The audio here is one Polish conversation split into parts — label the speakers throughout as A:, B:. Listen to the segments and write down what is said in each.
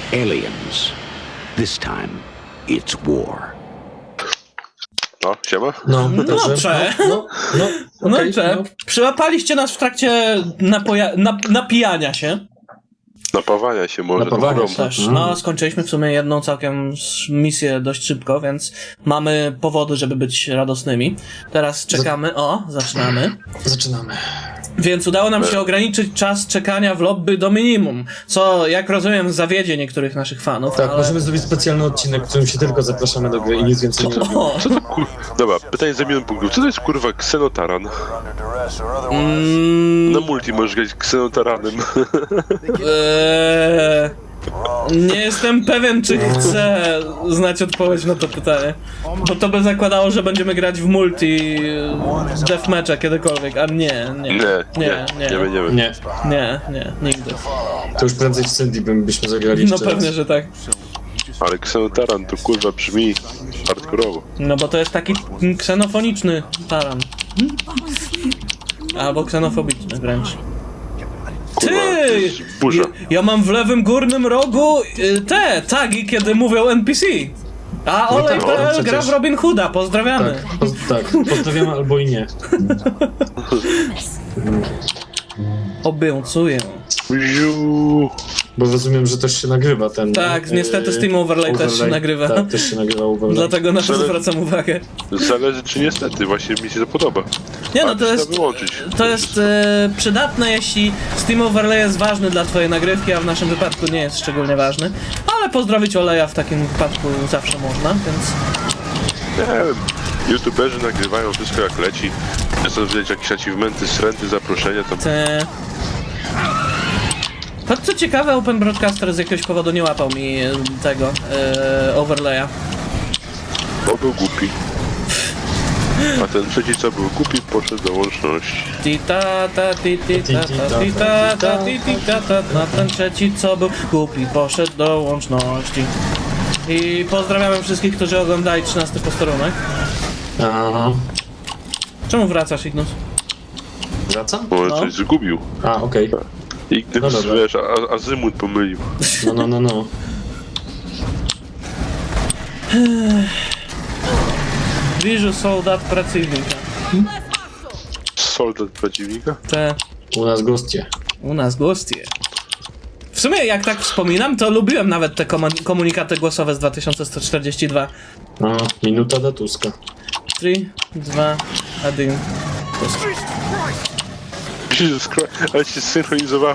A: Aliens. This time, it's war.
B: No, siema.
C: No, okej,
D: Przyłapaliście nas w trakcie napijania się.
B: Napawania się może.
C: Napawania
B: tą
C: się.
D: Też. No, skończyliśmy w sumie jedną całkiem misję dość szybko, więc mamy powody, żeby być radosnymi. Teraz czekamy. Zaczynamy.
C: Zaczynamy.
D: Więc udało nam się ograniczyć czas czekania w lobby do minimum, co, jak rozumiem, zawiedzie niektórych naszych fanów,
C: Tak,
D: ale...
C: możemy zrobić specjalny odcinek, w którym się tylko zapraszamy do gry i nic więcej nie robimy.
D: O,
B: Co to Dobra, pytanie za milion punktów. Co to jest kurwa ksenotaran? Na multi możesz grać ksenotaranem.
D: nie jestem pewien, czy chcę znać odpowiedź na to pytanie. Bo to by zakładało, że będziemy grać w multi deathmatcha kiedykolwiek, a nie
B: będziemy.
C: Nie,
D: nigdy.
C: to już prędzej w Cindy byśmy zagrali
D: No
C: jeszcze
D: pewnie,
C: raz.
D: że tak.
B: Ale ksenotaran to kurwa brzmi hardkorowo.
D: No bo to jest taki ksenofoniczny taran. Albo ksenofobiczny wręcz.
B: Kurwa, to
D: Ty!
B: jest burza.
D: Ja mam w lewym górnym rogu te tagi, kiedy mówią NPC. A Olej.pl
C: przecież.
D: gra w Robin Hooda, pozdrawiamy.
C: Tak, pozdrawiamy albo i nie.
D: Obiecuję.
B: Ziu.
C: Bo rozumiem, że też się nagrywa ten...
D: Tak, niestety Steam Overlay też się nagrywa.
C: Tak, też się nagrywa Overlay.
D: Dlatego na to zwracam uwagę.
B: Zależy czy niestety, właśnie mi się to podoba.
D: Nie no,
B: Ale
D: to
B: trzeba
D: jest,
B: wyłączyć.
D: to jest przydatne, jeśli Steam Overlay jest ważny dla twojej nagrywki, a w naszym wypadku nie jest szczególnie ważny. Ale pozdrowić Oleja w takim wypadku zawsze można, więc...
B: Nie wiem. YouTuberzy nagrywają wszystko jak leci. Chcę widać jakieś achievementy, srenty, zaproszenia tam.
D: To co ciekawe, Open Broadcaster z jakiegoś powodu nie łapał mi tego overlaya.
B: Bo był głupi. A ten trzeci co był głupi poszedł do łączności.
D: A ten trzeci co był głupi poszedł do łączności. I pozdrawiamy wszystkich, którzy oglądali 13 posterunek.
C: Aha.
D: Czemu wracasz, Ignus?
C: Wracam?
B: Bo
D: No.
B: coś zgubił.
C: A, okej.
B: I gdyby
C: No dobra.
B: wiesz, azymut pomylił.
C: No.
D: Bliżu soldat pracownika.
B: Soldat przeciwnika?
D: Te
C: U nas goście.
D: u nas goście. W sumie, jak tak wspominam, to lubiłem nawet te komunikaty głosowe z 2142.
C: No, minuta do Tuska.
D: 3, 2, 1.
B: Jesus Christ, ale się synchronizowało.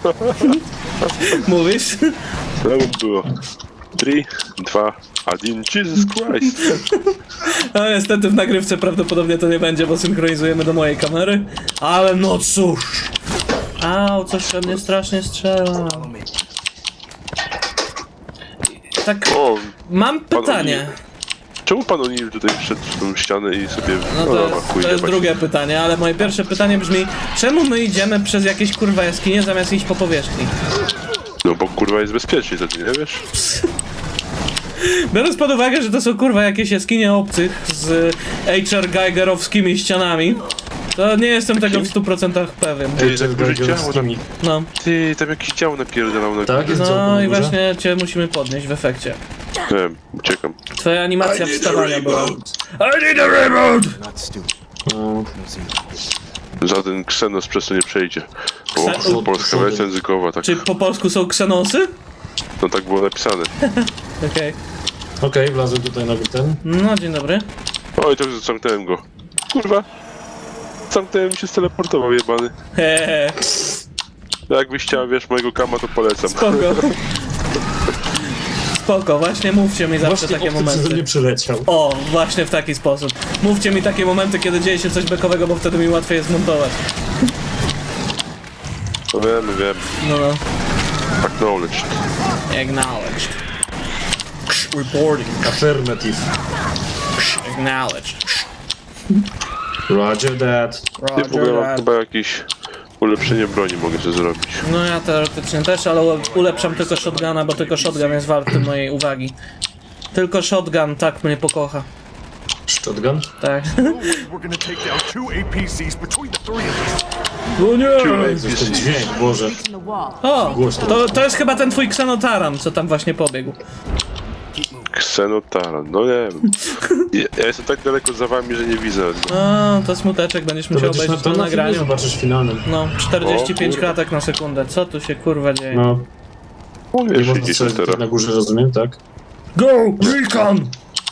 D: Mówisz?
B: To by było. 3, 2, 1, Jesus Christ.
D: No niestety w nagrywce prawdopodobnie to nie będzie, bo synchronizujemy do mojej kamery. Ale no cóż. Au, coś we mnie strasznie strzela. Tak,
B: O,
D: mam pytanie.
B: czemu pan O'Neill tutaj wszedł w tą ścianę i sobie...
D: No to jest drugie pytanie, ale moje pierwsze pytanie brzmi, czemu my idziemy przez jakieś kurwa jaskinie zamiast iść po powierzchni?
B: No bo kurwa jest bezpiecznie, to ty nie wiesz?
D: Biorąc pod uwagę, że to są kurwa jakieś jaskinie obcych z H.R. Geigerowskimi ścianami, to nie jestem tego w 100% pewien.
B: Ty, tak duże działo tam...
D: No,
B: Ty, tam jakieś działo napierdalał na
C: Tak, jest działo
D: no
C: na
D: i
C: górze?
D: właśnie cię musimy podnieść w efekcie.
B: Nie wiem, uciekam.
D: Twoja animacja wstawania była. I need a reboot!
C: No,
B: Żaden ksenos przez to nie przejdzie. Bo polska wersja językowa, tak.
D: Czy po polsku są ksenosy?
B: No tak było napisane.
D: Okej.
C: Okej, wlazłem tutaj na ten.
D: No, dzień dobry.
B: Oj, to już zamknąłem go. Kurwa. Zamknąłem mi się steleportował jebany.
D: Hehehe,
B: Jakbyś chciał, wiesz, mojego kama, to polecam.
D: spoko. Spoko, właśnie mówcie mi zawsze
C: Właśnie
D: takie
C: obcy przeze mnie
D: momenty.
C: przyleciał.
D: O, właśnie w taki sposób. Mówcie mi takie momenty, kiedy dzieje się coś bekowego, bo wtedy mi łatwiej jest zmontować.
B: No wiem.
D: No.
B: Acknowledged.
D: Acknowledged. Reporting.
C: Affirmative.
D: Acknowledged.
C: Roger that.
B: Ty w ogóle mam chyba jakieś ulepszenie broni mogę sobie zrobić.
D: No ja teoretycznie też, ale ulepszam tylko shotguna, bo tylko shotgun jest warty mojej uwagi. Tylko shotgun tak mnie pokocha.
C: Shotgun?
D: Tak.
E: We're gonna take down 2 APCs between the 3 of us.
D: O nie!
C: Coś ten dźwięk, Boże.
D: O,
C: Głośno.
D: to jest chyba ten twój ksenotaran, co tam właśnie pobiegł.
B: Ksenotaran, no nie wiem. Ja jestem tak daleko za wami, że nie widzę.
D: O, to smuteczek, będziesz
C: To
D: musiał
C: będziesz
D: obejrzeć
C: to
D: na
C: na filmie
D: nagraniu.
C: zobaczysz finalnym.
D: No, 45
B: O, kurwa.
D: klatek na sekundę, co tu się kurwa dzieje?
C: No,
B: O,
C: nie
B: wiesz,
C: można
B: idziesz
C: strzelać
B: teraz.
C: na górze, rozumiem, tak?
D: Go, Recon!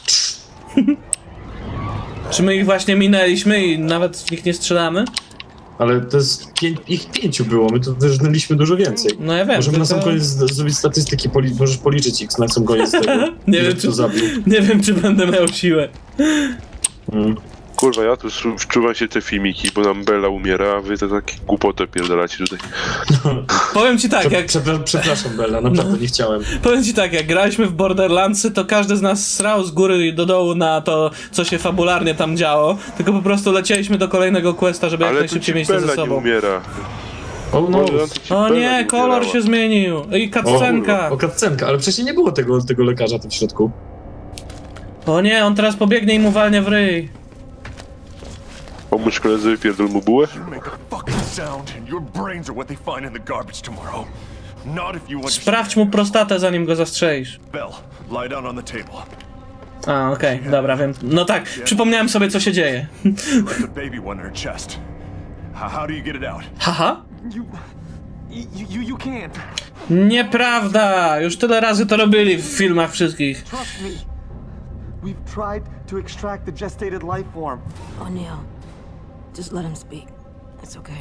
D: Czy my ich właśnie minęliśmy i nawet w nich nie strzelamy?
C: Ale to jest ich 5 było, my tu wyrżnęliśmy dużo więcej.
D: No ja wiem,
C: Możemy na sam
D: tylko-
C: koniec zrobić statystyki, możesz policzyć ich na sam koniec tego.
D: Nie
C: ile
D: wiem,
C: kto
D: czy,
C: zabił.
D: nie wiem, czy będę miał siłę.
C: Mm.
B: Kurwa, ja tu wczuwam się te filmiki, bo nam Bella umiera, a wy to takie głupotę pierdolacie tutaj.
D: Powiem ci tak, jak,
C: Przepraszam, Bella, naprawdę nie chciałem.
D: powiem ci tak, jak graliśmy w Borderlandsy, to każdy z nas srał z góry i do dołu na to, co się fabularnie tam działo, tylko po prostu lecieliśmy do kolejnego questa, żeby jak
B: Ale tu
D: najszybciej
B: ci
D: mieć to ze
B: Bella nie
D: sobą.
B: umiera.
C: O no,
B: Może tu ci
D: O
B: Bella
D: nie, kolor
B: umierała.
D: się zmienił. I cutscenka.
C: o cutscenka, ale wcześniej nie było tego lekarza tam w środku.
D: O nie, on teraz pobiegnie i mu walnie w ryj.
B: Pomóż koledze, wypierdol mu bułę?
E: Make a fucking sound, and your brains are what they find in the garbage tomorrow. Not if you understand.
D: Sprawdź mu prostatę, zanim go zastrzelisz.
E: Bell, lie down on the table.
D: A, okej, dobra, wiem. No tak, przypomniałem sobie, co się dzieje.
E: Like the baby one in her chest. How do you get it out?
D: Haha?
F: You can't.
D: Nieprawda! Już tyle razy to robili w filmach wszystkich.
F: Trust me. We've tried to extract the gestated life form.
G: O'Neill, just let him speak. It's okay.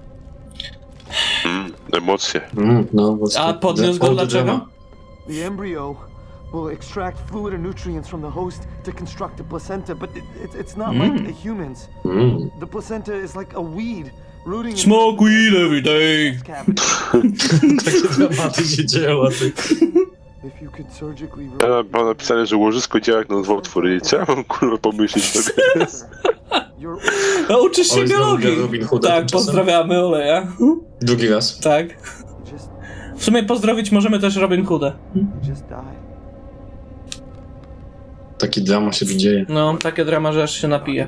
B: Emocje.
C: No, właśnie.
D: A podniósł go
C: All the
D: dlaczego?
C: drama.
F: The embryo will extract fluid and nutrients from the host to construct the placenta, but it's not like a human's. The placenta is like a weed rooting in
D: Smoke weed every day.
F: the cavity.
C: Takie dramaty się dzieją, a ty...
F: If you could surgically
B: Ja mam napisane, że łożysko działa jak nowotwór i co ja mam kurwa pomyśleć sobie?
F: your
D: No, uczysz się
C: Oj, znowu
D: biologii.
C: Robin Hooda
D: Tak,
C: tymczasem.
D: pozdrawiamy Oleja.
C: Drugi raz.
D: Tak.
F: just
D: W sumie pozdrowić możemy też Robin Hooda.
F: just die.
C: Taki drama się tu dzieje.
D: No, takie drama, że aż się napije.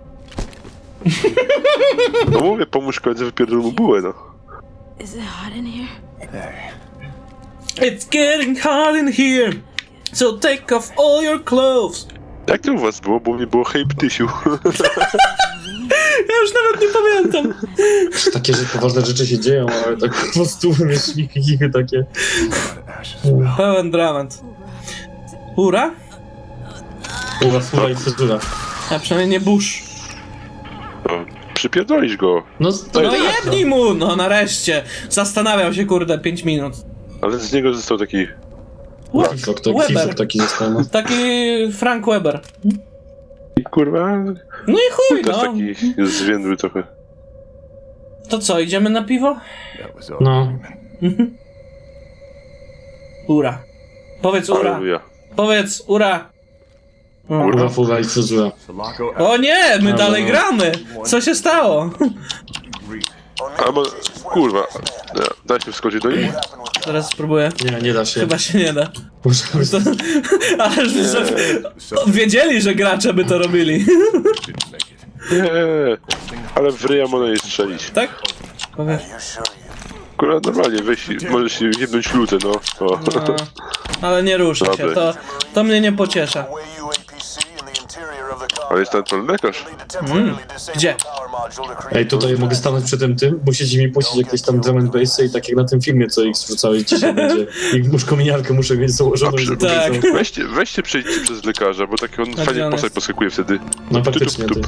B: No mówię, pomóż koledze, wypierdol mu bułę, no.
G: Is it hot in here?
D: It's getting hot in here, so take off all your clothes.
B: Jak to u was było? Bo u mnie było hej ptysiu.
D: Ja już nawet nie pamiętam.
C: Takie że poważne rzeczy się dzieją, ale tak po prostu śmichy takie.
D: Pełen dramat. Ura?
C: Fura i fryzura.
D: A przynajmniej nie Bush.
B: No, przypierdolisz go.
C: No, to
D: No jebnij mu! No nareszcie. Zastanawiał się kurde 5 minut.
B: Ale z niego został taki...
C: Kifok, to
D: Weber.
C: Kifok taki został. No.
D: Taki Frank Weber.
B: Kurwa...
D: No i chuj,
B: Też
D: no.
B: taki zwiędły trochę.
D: To co, idziemy na piwo?
E: That was all.
C: No.
D: Ura. Powiedz ura.
B: Aleluja.
D: Powiedz ura.
C: Kurwa, fura i fryzura.
E: Sulaco
D: O nie, my dalej
C: no.
D: gramy. Co się stało?
E: agreed.
B: A bo... Kurwa. Da się wskoczyć do niej?
D: Teraz spróbuję.
C: Nie da się.
D: Chyba się nie da.
C: Możemy
D: Ale że wiedzieli, że gracze by to robili.
E: Didn't make it.
B: Nie. Ale w ryja można jej strzelić.
D: Tak? Powiedz.
B: Kurwa, normalnie, weź, możesz się jebnąć lutę, no. O.
D: No, ale nie rusza się,
B: Dobra.
D: to mnie nie pociesza.
B: Ale jest ten lekarz.
D: Gdzie?
C: Ej, tutaj mogę stanąć przy tym, musicie mi puścić jakieś tam drum and bassy i tak jak na tym filmie, co ich wrzucałeś dzisiaj będzie. Ich muszkominiarkę muszę mieć założoną i
B: Dobrze.
D: Tak.
B: Weźcie przejdźcie przez lekarza, bo tak on
D: gdzie
B: fajnie
D: on
B: postać
D: jest?
B: poskakuje wtedy.
C: No faktycznie, ty.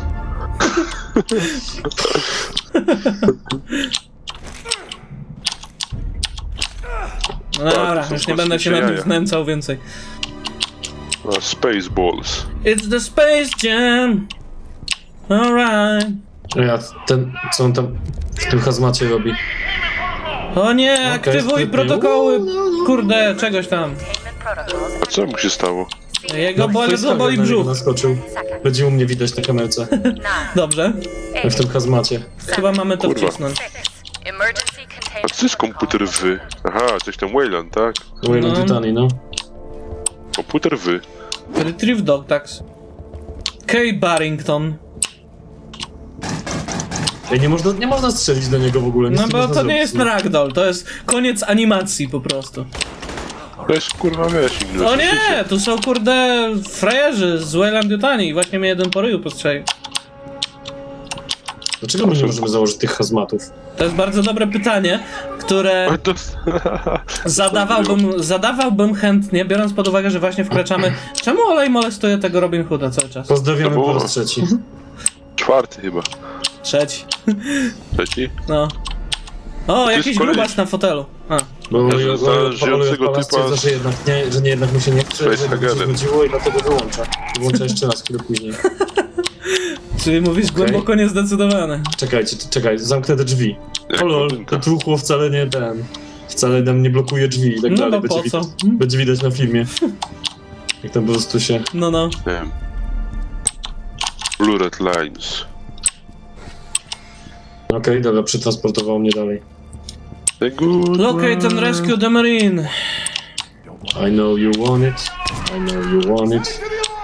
D: No dobra,
B: są
D: już nie będę się nad nim
B: jaja.
D: znęcał więcej.
B: A, Spaceballs.
D: It's the Space Jam. Alright.
C: Ja, co on tam w tym hazmacie robi?
D: O nie, aktywuj
C: sprytnie.
D: protokoły. Kurde, czegoś tam.
B: A co mu się stało?
D: Jego boli
C: na niego
D: brzuch.
C: naskoczył. Będzie u mnie widać na kamerce.
D: Dobrze.
C: W tym hazmacie.
D: Chyba mamy to
B: Kurwa.
D: wcisnąć.
B: A co jest komputer wy? Aha, coś tam Wayland, tak?
C: Wayland
D: No.
C: Titani, no.
B: Komputer wy.
D: Retrieve Dog Tax. Kay Barrington.
C: Ej, nie można strzelić do niego w ogóle. nic
D: No bo
C: można
D: to nie
C: zrobić.
D: jest ragdoll, to jest koniec animacji po prostu.
B: To jest kurwa wiesz,
D: O nie, tu są kurde frajerzy z Wayland Yutani i właśnie mnie jeden po ryju postrzelił.
C: Dlaczego my nie możemy założyć tych hazmatów?
D: To jest bardzo dobre pytanie, które zadawałbym chętnie, biorąc pod uwagę, że właśnie wkraczamy... Czemu Olej molestuje tego Robin Hooda cały czas?
C: Pozdrawiamy
B: To było-
C: po raz trzeci.
B: Czwarty chyba.
D: Trzeci.
B: Trzeci?
D: No. O,
B: jest
D: jakiś
B: koleś.
D: grubas na fotelu. A.
C: Bo
B: Ja znalazłem żyjącego typa
C: stwierdza, że jednak mu się nie chce, że mu się
B: facehagerem.
C: zgodziło i dlatego wyłącza. Wyłącza jeszcze raz chwilę później.
D: Czyli mówisz głęboko niezdecydowane.
C: Czekaj, zamknę te drzwi.
B: Jak
C: O lol,
B: Robinka.
C: to truchło wcale nam nie blokuje drzwi i tak
D: No
C: dalej.
D: bo po co?
C: Będzie widać na filmie. Jak tam po prostu się...
D: No.
B: Nie wiem. Blue Red Lines.
C: Okej, dobra, przetransportowało mnie dalej.
B: The good
D: Locate and rescue the marine.
C: I know you want it. I know you want it.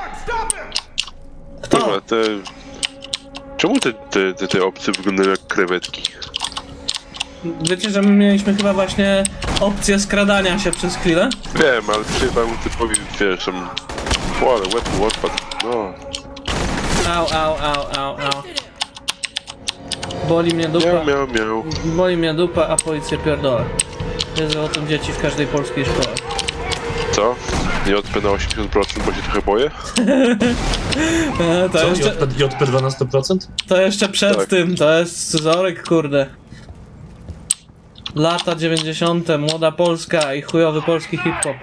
D: Kto?
B: Kurwa, Czemu te opcje wyglądają jak krewetki?
D: Wiecie, że my mieliśmy chyba właśnie opcję skradania się przez chwilę?
B: Wiem, ale przyjechałem typowi, wiesz, tam... O, ale łeb mu odpadł. No.
D: Au. Boli mnie dupa.
B: Miał.
D: Boli mnie dupa, a policję pierdolę. Wiedzą o tym dzieci w każdej polskiej szkole.
B: Co? Nie odpę na 80%, bo się trochę boję?
D: To
C: Co?
D: jeszcze,
C: JP 12%?
D: to jeszcze przed
B: Tak.
D: tym, to jest scyzoryk, kurde. Lata 90., młoda Polska i chujowy polski hip-hop.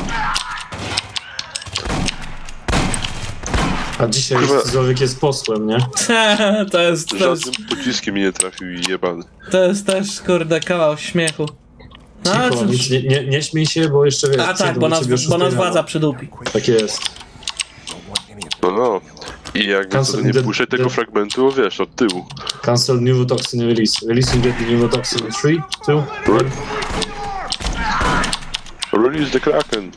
C: A dzisiaj
B: Kurwa.
C: scyzoryk jest posłem, nie?
D: to jest
B: Żadnym pociskiem mi nie trafił i jebany.
D: to jest też, kurde, kawał śmiechu. No, ale
C: Cicho,
D: cóż.
C: nic, nie śmiej się, bo jeszcze wiesz...
D: A tak,
C: przyjdą
D: bo
C: do ciebie o
D: nas
C: 6
D: władza
C: rano.
D: przydupi.
C: Tak jest.
B: No. I jakby
C: Cancel
B: to nie
C: the-
B: puszczę tego
C: the-
B: fragmentu, wiesz, od tyłu.
C: Cancel neurotoxin release. Releasing the neurotoxin in 3, 2, 1.
B: Release the Kraken.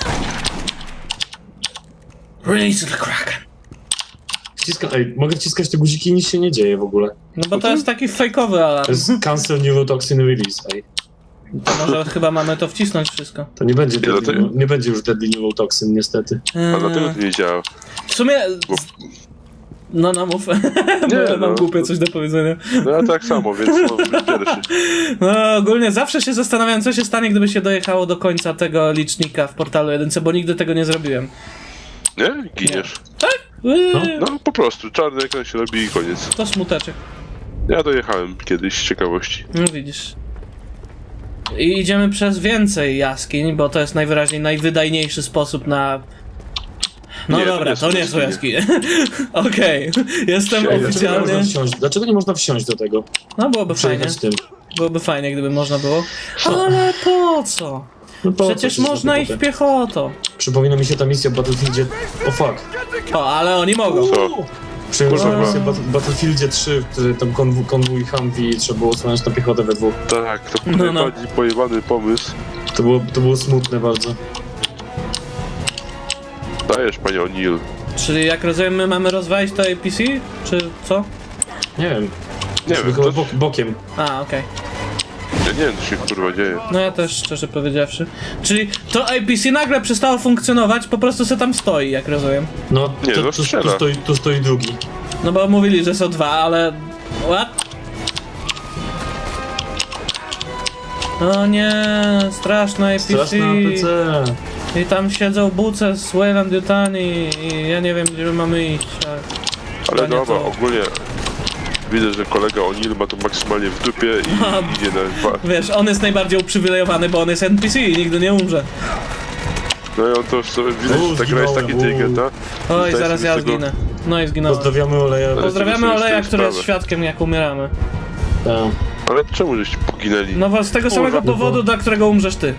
D: Release the Kraken.
C: Ej, mogę wciskać te guziki i nic się nie dzieje w ogóle.
D: No bo to jest taki fejkowy
C: To
D: alarm.
C: jest cancel neurotoxin release, ej.
D: To może chyba mamy to wcisnąć wszystko.
C: To nie będzie,
B: dlatego-
C: nie będzie już deadly neurotoxin, niestety.
B: A dlatego to nie działa.
D: W sumie...
B: Bo,
D: No mów. Bo ja mam
B: no.
D: głupie coś do powiedzenia.
B: no ja tak samo, więc no, być pierwszy.
D: No ogólnie zawsze się zastanawiam, co się stanie, gdyby się dojechało do końca tego licznika w portalu 1, bo nigdy tego nie zrobiłem.
B: Nie? Giniesz. No po prostu, czarny ekran się robi i koniec.
D: To smuteczek.
B: Ja dojechałem kiedyś z ciekawości.
D: No widzisz. I idziemy przez więcej jaskiń, bo to jest najwyraźniej najwydajniejszy sposób na... No
B: Nie, to
D: dobra,
B: nie
D: to
B: są
D: nie są
B: jaskinie.
D: jaskinie. Okej, jestem
B: Dlaczego
D: oficjalnie...
C: Dlaczego nie można wsiąść do tego?
D: No byłoby fajnie.
C: Przejechać tym.
D: Byłoby fajnie, gdyby można było. Ale po co?
C: No po co
D: Przecież
C: się
D: można
C: za
D: iść
C: to
D: piechotą.
C: Przypomina mi się ta misja w Battlefieldzie... O fuck.
D: O, ale oni mogą.
B: Co?
C: Przypomina mi się
B: Kurwa.
C: misja w Battlefieldzie 3, w której tam konwój Humvee i trzeba było osłaniać na piechotę we dwóch.
B: Tak, to
D: No,
B: był
D: no.
B: najbardziej pojebany pomysł.
C: To było smutne bardzo.
B: Dajesz, panie O'Neill.
D: Czyli jak rozumiem, my mamy rozwalić to APC? Czy co?
C: Nie wiem.
B: Nie
C: Sobie
B: wiem,
C: chyba
B: to,
D: A,
C: bokiem.
D: okej.
B: ja nie wiem, co się kurwa dzieje.
D: No ja też, szczerze powiedziawszy. Czyli to APC nagle przestało funkcjonować, po prostu se tam stoi, jak rozumiem.
C: No,
B: Nie, no strzela.
C: tu stoi drugi.
D: No bo mówili, że są dwa, ale... What? O nie, straszne APC.
C: Straszna APC.
D: I tam siedzą buce z Wayland Yutani i ja nie wiem, gdzie my mamy iść.
B: Ale
D: nie
B: dobra,
D: to-
B: ogólnie widzę, że kolega O'Neill ma to maksymalnie w dupie i idzie na...
D: Wiesz, on jest najbardziej uprzywilejowany, bo on jest NPC i nigdy nie umrze.
B: No i on to sobie widać, że ta gra jest tak
C: zginąłem,
B: inteligentna.
D: Oj,
B: Zdaję
D: zaraz
B: sobie
D: ja
B: z tego-
D: zginę. No i zginąłem.
C: Pozdrawiamy Oleja.
D: Pozdrawiamy
B: sobie z
D: Oleja,
B: tego
D: który jest
B: sprawę.
D: świadkiem, jak umieramy.
C: Tak.
B: Ale czemu żeście poginęli?
D: No bo z tego samego
B: Kurwa,
D: powodu, dla którego umrzesz ty.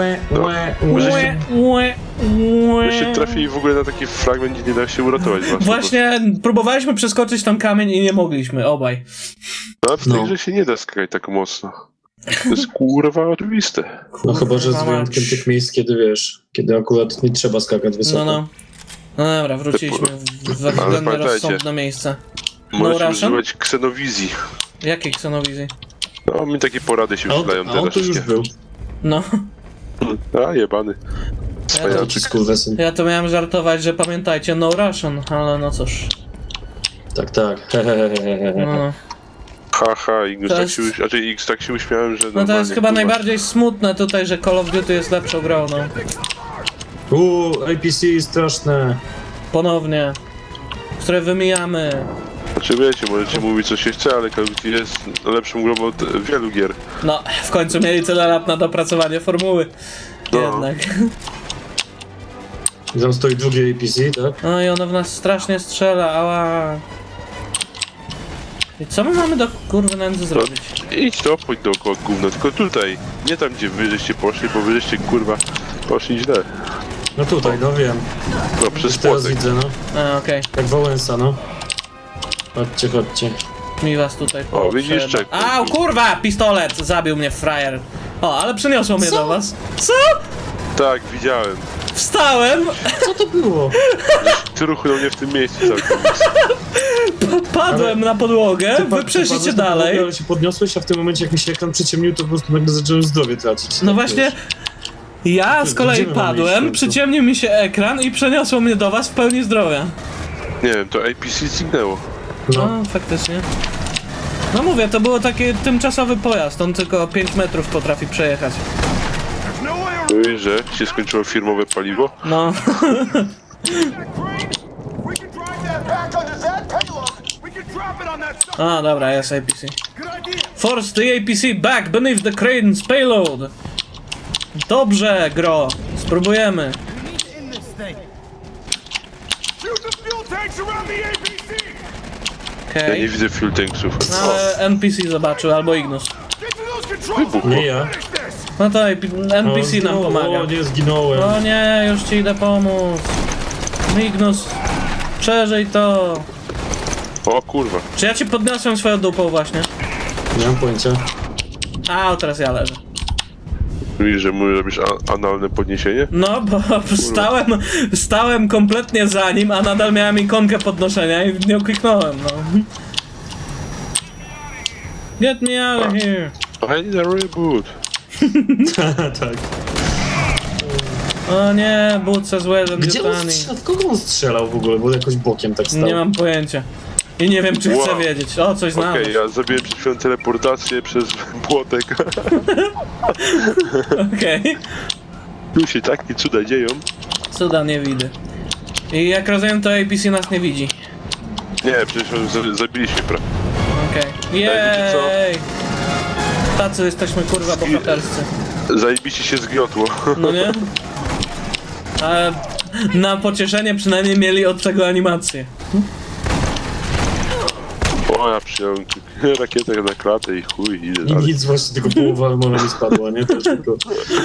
B: Myście trafili w ogóle na taki fragment, gdzie nie da się uratować was.
D: Właśnie próbowaliśmy przeskoczyć tam kamień i nie mogliśmy, obaj.
B: No, w tej
C: No.
B: grze się nie da skakać tak mocno. To jest kurwa oczywiste.
C: No chyba, że z
D: Kurwa
C: wyjątkiem
D: mać.
C: tych miejsc, kiedy wiesz, kiedy akurat nie trzeba skakać wysoko.
D: No. No dobra, wróciliśmy we względnie
B: pamiętajcie,
D: rozsądne miejsce.
B: Możecie
D: Russian?
B: używać ksenowizji.
D: Jakiej ksenowizji?
B: No, mi takie porady się
C: A on,
B: przydają
C: a on
B: teraz
C: tu już
B: wszystkie.
C: był.
D: No,
B: A, jebany.
C: To
B: Cwaniaczek.
C: ci skurwesyn.
D: ja to miałem żartować, że pamiętajcie, no Russian, ale no cóż.
C: Tak, tak. Hehehehe.
D: No,
B: Haha, X
D: To
B: tak
D: jest-
B: się, znaczy X tak się uśmiałem, że
D: no to
B: normalnie,
D: jest chyba
B: kurwa.
D: najbardziej smutne tutaj, że Call of Duty jest lepszą grą, no.
C: APC straszne.
D: Ponownie. Które wymijamy.
B: Znaczy wiecie, możecie mówić co się chce, ale Call of Duty jest lepszą grą od wielu gier.
D: No, w końcu mieli tyle lat na dopracowanie formuły.
B: No.
D: Jednak.
C: I tam stoi drugie APC, tak?
D: No i ono w nas strasznie strzela, ała. I co my mamy do kurwy nędzy zrobić?
B: Idź to, pójdź dookoła gówna, tylko tutaj. Nie tam, gdzie wy żeście poszli, bo wy żeście, kurwa, poszli źle.
C: No tutaj, no wiem.
B: No, przez
C: Już teraz
B: płotek.
C: widzę, no.
D: A, okej.
C: Jak Wałęsa, no. Chodźcie, chodźcie.
D: Mi was tutaj
B: O, widzisz,
D: potrzeba.
B: czekaj.
D: Au, kurwa! Pistolet! Zabił mnie frajer. O, ale przyniosło mnie do was. Co?
B: Tak, widziałem.
D: Wstałem,
C: Co to było?
B: Ty ruchnął mnie w tym miejscu całkiem.
D: padłem na podłogę, wy przeszliście
C: Padłeś na podłogę,
D: dalej.
C: Ale się podniosłeś, a w tym momencie jak mi się ekran przyciemnił, to po prostu nagle zacząłem zdrowie tracić.
D: No
C: Tak,
D: właśnie,
C: wiesz.
D: ja z kolei
C: Gdzie my mamy iść w
D: padłem,
C: końcu?
D: przyciemnił mi się ekran i przeniosło mnie do was w pełni zdrowia.
B: Nie wiem, to APC zniknęło.
C: No.
D: No, faktycznie. No mówię, to było taki tymczasowy pojazd, on tylko 5 metrów potrafi przejechać.
E: No way around.
B: Mówisz, że się skończyło firmowe paliwo?
D: No,
E: We can drive that back onto that payload. We can drop it on that side.
D: a dobra, jest APC.
E: Good idea.
D: Force the APC back beneath the crane's payload. Dobrze, gro, spróbujemy.
E: Shoot the fuel tanks around the APC.
B: Ja
D: Okej.
B: nie widzę fuel tanksów.
D: No, ale NPC zobaczył, albo Ignus.
E: Get to those controls.
B: Wybuchło.
C: Nie ja.
E: Finish this.
D: No to NPC nam pomaga.
C: O, nie, zginąłem.
D: O nie, już ci idę pomóc. Ignus, przeżyj to.
B: O kurwa.
D: Czy ja ci podniosłem swoją dupą właśnie?
C: Nie mam pojęcia.
D: A, teraz ja leżę.
B: Mówisz, że mu robisz analne podniesienie?
D: No, bo stałem kompletnie za nim, a nadal miałem ikonkę podnoszenia i w nią kliknąłem, no. Get me out of here.
B: I need a reboot.
C: Tak.
D: O nie, Butsa z Wellem
C: Gdzie on
D: Yutani.
C: strzelał? W kogo on strzelał w ogóle? Bo jakoś bokiem tak stał.
D: Nie mam pojęcia. I nie wiem, czy chcę
B: Wow.
D: wiedzieć. O, coś znalazł.
B: Okej, ja zrobiłem przed chwilą teleportację przez płotek.
D: Okej.
B: Tu się takie cuda dzieją.
D: Cuda nie widzę. I jak rozumiem, to APC nas nie widzi.
B: Nie, przecież zabiliśmy prawie.
D: Okej.
B: wiecie co?
D: Jej! Tacy jesteśmy kurwa bohaterscy.
B: Zajebiście się zgniotło.
D: No nie? Ale na pocieszenie przynajmniej mieli od czego animację.
B: O, ja przyjąłem rakietę na klatę i chuj, idę
C: I
B: dalej.
C: nic, właśnie tylko połowa armora mi spadła, nie? Też tylko...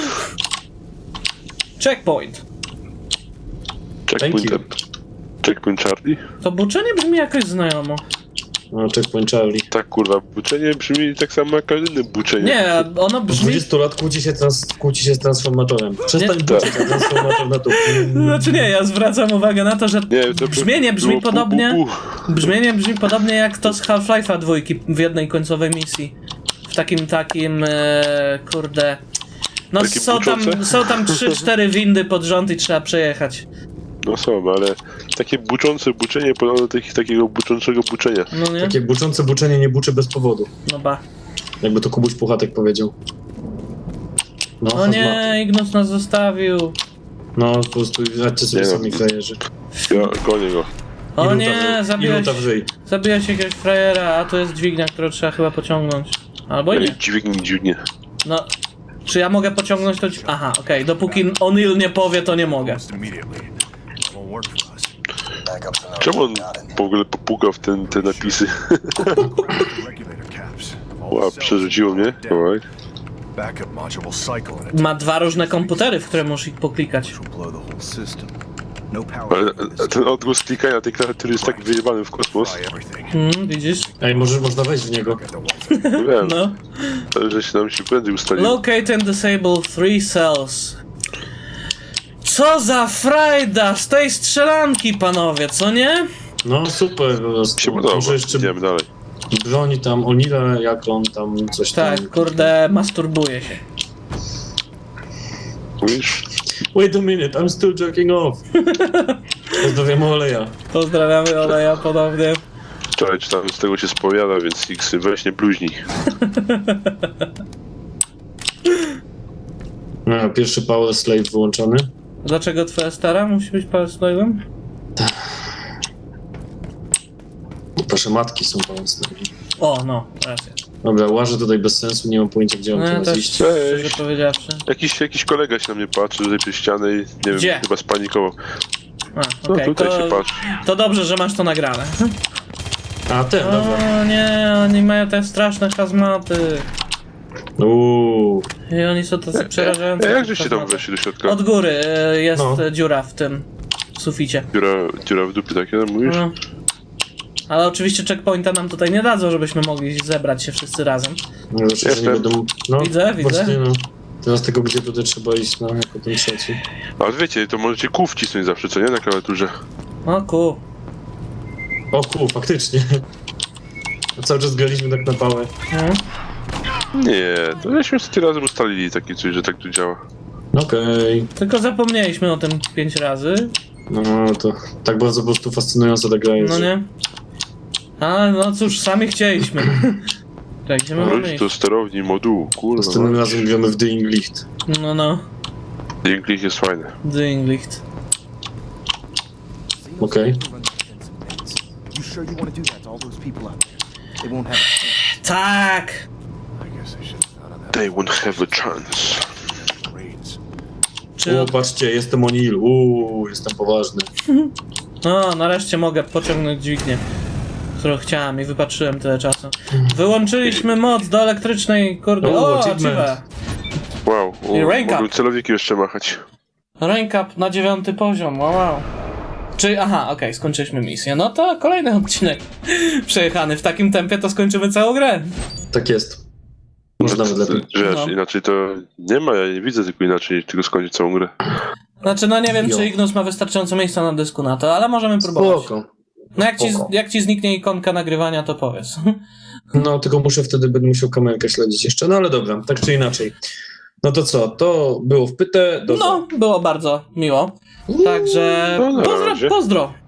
D: Checkpoint.
C: Thank you.
B: Checkpoint Charlie?
D: To buczenie brzmi jakoś znajomo.
C: No, checkpoint Charlie.
B: Tak kurwa, buczenie brzmi tak samo jak każde inne buczenie.
D: Nie, ono
C: Po
D: brzmi...
C: 20 lat kłóci się z transformatorem. Przestań
D: Nie.
C: buczyć, a transformator na to.
D: Znaczy nie, ja zwracam uwagę na to, że
B: Nie, to
D: brzmienie brzmi
B: było
D: podobnie... Brzmienie brzmi podobnie jak to z Half-Life'a 2 w jednej końcowej misji. W takim, kurde... No
B: Takie buczące?
D: są tam 3-4 windy pod rząd i trzeba przejechać.
B: No są, ale takie buczące buczenie podobno do takiego buczącego buczenia.
D: No nie?
C: Takie buczące buczenie nie buczy bez powodu.
D: No ba.
C: Jakby to Kubuś Puchatek powiedział. No,
D: O nie, Ignus nas zostawił.
C: No, po prostu radźcie sobie
B: Nie no.
C: sami frajerzy.
B: Ja gonię go.
D: O
C: I
D: nie,
C: luta w ryj.
D: zabiłeś jakiegoś frajera, a to jest dźwignia, którą trzeba chyba pociągnąć. Albo nie.
B: Dziwnie.
D: No, czy ja mogę pociągnąć to? Aha, okej, dopóki O'Neill nie powie, to nie mogę.
E: Almost immediately. It won't work for us.
B: Czemu on w ogóle popukał w te napisy?
E: Regulator caps. All
B: Ła,
E: cells
B: przerzuciło mnie?
E: down.
B: Alright.
E: Backup module will cycle in it.
D: Ma dwa różne komputery, w które musisz poklikać.
E: Which will blow the whole system. No power
B: Ale
E: for this
B: ten odgłos klikania tej klawiatury jest tak wyjebany w kosmos.
E: fry everything.
D: Widzisz?
C: Ej, można wejść w niego.
E: Get the walls.
B: Wiem,
D: No.
B: że się nam się prędzej ustaliło.
D: Locate and disable 3 cells. Co za frajda z tej strzelanki, panowie, co nie?
C: No, super po prostu.
B: Się podoba,
C: Może jeszcze
B: idziemy dalej.
C: Broni tam Onila, jak on tam coś tam...
D: Tak, kurde, masturbuje się.
B: Mówisz?
C: Wait a minute, I'm still jerking off. Pozdrawiam Oleja.
D: Pozdrawiamy Oleja ponownie.
B: Wczoraj czytałem, z tego się spowiada, więc X, weź nie bluźnij.
C: No, pierwszy Power Slave wyłączony.
D: Dlaczego twoja stara musi być Power-Slave'em?
C: Wasze matki są Power Slave.
D: O, no, racja.
C: Dobra, łażę tutaj bez sensu, nie mam pojęcia, gdzie mam
D: No ja
C: teraz
D: też,
C: iść.
D: szczerze powiedziawszy.
B: Jakiś kolega się na mnie patrzy tutaj przez ścianę i nie wiem,
D: Gdzie?
B: chyba spanikował.
D: A,
B: No
D: okej,
B: tutaj się
D: to,
B: patrzy.
D: to dobrze, że masz to nagrane.
C: A, ten, dobra.
D: O nie, oni mają te straszne hazmaty. I oni są tacy przerażający.
B: Jak żeście tam
D: hazmaty.
B: weszli do środka?
D: Od góry jest
C: No.
D: dziura w tym suficie.
B: Dziura w dupie takie, no mówisz?
D: No. Ale oczywiście checkpointa nam tutaj nie dadzą, żebyśmy mogli zebrać się wszyscy razem.
C: No, że nie
B: Jestem.
C: będą... No,
D: Widzę.
C: Właśnie, no. Teraz tego, gdzie tutaj trzeba iść, no, jako ten trzeci.
B: Ale wiecie, to możecie kół wcisnąć zawsze, co nie? Na klawiaturze.
D: O ku.
C: O faktycznie. Cały czas graliśmy tak na pałę.
D: Mhm.
B: Nie, to żeśmy sobie razem ustalili takie coś, że tak tu działa.
C: Okej.
D: Tylko zapomnieliśmy o tym 5 razy.
C: No to tak bardzo po prostu fascynująca ta gra jest.
D: No
C: że-
D: nie? Ale no cóż, sami chcieliśmy. Tak, gdzie my mamy
B: Wróć do
D: iść?
B: sterowni modułu, kurwa.
C: Następnym razem gramy w Dying Licht.
D: No,
B: Dzięki jest fajne.
D: Dinglicht.
C: Okej.
H: You sure you want to do that to all those people out there? They won't have a
D: Tak!
E: I guess I should have thought of that.
B: They won't have a chance.
E: Raids.
D: Czy...
C: O, patrzcie, jestem O'Neill. Jestem poważny.
D: No, nareszcie mogę pociągnąć dźwignię, którą chciałem i wypatrzyłem tyle czasu. Wyłączyliśmy moc do elektrycznej, kurde.
C: O,
D: O,
C: achievement.
D: achieve.
B: Wow,
D: I rank
B: mogłem
D: up.
B: celowiki jeszcze machać.
D: Rank up na 9 poziom, wow. Czy, aha, okej, skończyliśmy misję. No to kolejny odcinek przejechany. W takim tempie to skończymy całą grę.
C: Tak jest. Może nawet lepiej.
B: Wiesz,
D: No.
B: inaczej to nie ma, ja nie widzę tylko inaczej, tylko skończyć całą grę.
D: Znaczy, no nie wiem,
C: Jo.
D: czy Ignus ma wystarczająco miejsca na dysku na to, ale możemy próbować.
C: Spoko.
D: No
C: Spoko.
D: jak ci zniknie ikonka nagrywania, to powiedz.
C: No, tylko będę musiał kamerkę śledzić jeszcze. No ale dobra, tak czy inaczej. No to co, to było wpyte.
D: No, było bardzo miło. Także
B: No, na razie.
D: pozdro.